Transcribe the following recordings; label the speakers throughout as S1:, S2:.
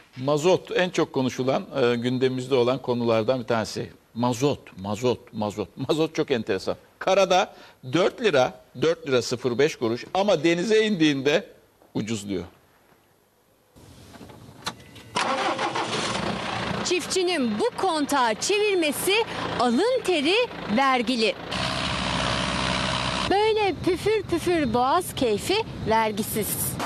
S1: Mazot en çok konuşulan gündemimizde olan konulardan bir tanesi. Mazot çok enteresan. Karada 4 lira 05 kuruş ama denize indiğinde ucuzluyor.
S2: Çiftçinin bu kontağı çevirmesi alın teri vergili. Böyle püfür püfür boğaz keyfi vergisiz.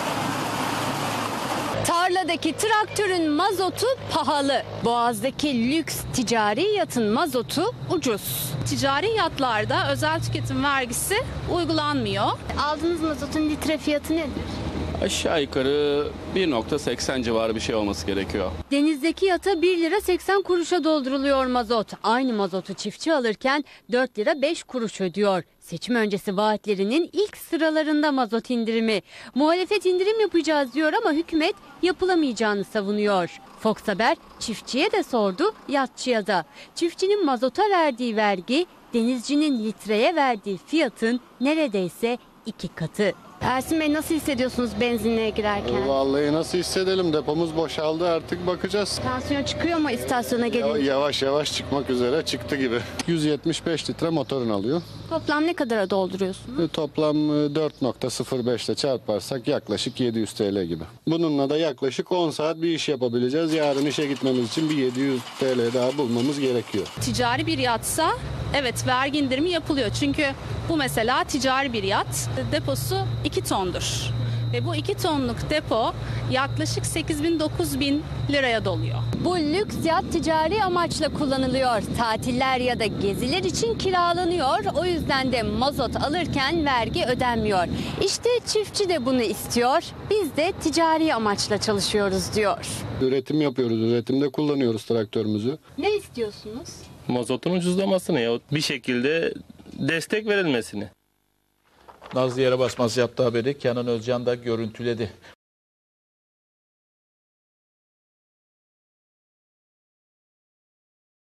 S2: Tarladaki traktörün mazotu pahalı. Boğaz'daki lüks ticari yatın mazotu ucuz.
S3: Ticari yatlarda özel tüketim vergisi uygulanmıyor.
S2: Aldığınız mazotun litre fiyatı nedir?
S4: Aşağı yukarı 1.80 civarı bir şey olması gerekiyor.
S2: Denizdeki yata 1 lira 80 kuruşa dolduruluyor mazot. Aynı mazotu çiftçi alırken 4 lira 5 kuruş ödüyor. Seçim öncesi vaatlerinin ilk sıralarında mazot indirimi. Muhalefet indirim yapacağız diyor ama hükümet yapılamayacağını savunuyor. Fox Haber çiftçiye de sordu, yatçıya da. Çiftçinin mazota verdiği vergi, denizcinin litreye verdiği fiyatın neredeyse 2 katı. Ersin Bey, nasıl hissediyorsunuz benzinliğe girerken?
S5: Vallahi nasıl hissedelim, depomuz boşaldı, artık bakacağız.
S2: Tansiyon çıkıyor mu istasyona gelince?
S5: Yavaş yavaş çıkmak üzere, çıktı gibi. 175 litre motorun alıyor.
S2: Toplam ne kadara dolduruyorsunuz?
S5: Toplam 4.05 ile çarparsak yaklaşık 700 TL gibi. Bununla da yaklaşık 10 saat bir iş yapabileceğiz. Yarın işe gitmemiz için bir 700 TL daha bulmamız gerekiyor.
S3: Ticari bir yatsa evet vergi indirimi yapılıyor. Çünkü bu mesela ticari bir yat, deposu 2 tondur. Ve bu 2 tonluk depo yaklaşık 8.000-9.000 liraya doluyor.
S2: Bu lüks yat ticari amaçla kullanılıyor. Tatiller ya da geziler için kiralanıyor. O yüzden de mazot alırken vergi ödenmiyor. İşte çiftçi de bunu istiyor. Biz de ticari amaçla çalışıyoruz diyor.
S5: Üretim yapıyoruz, üretimde kullanıyoruz traktörümüzü.
S2: Ne istiyorsunuz?
S6: Mazotun ucuzlamasını ya bir şekilde destek verilmesini.
S1: Nazlı Yere Basmaz yaptığı haberi Kenan Özcan da görüntüledi.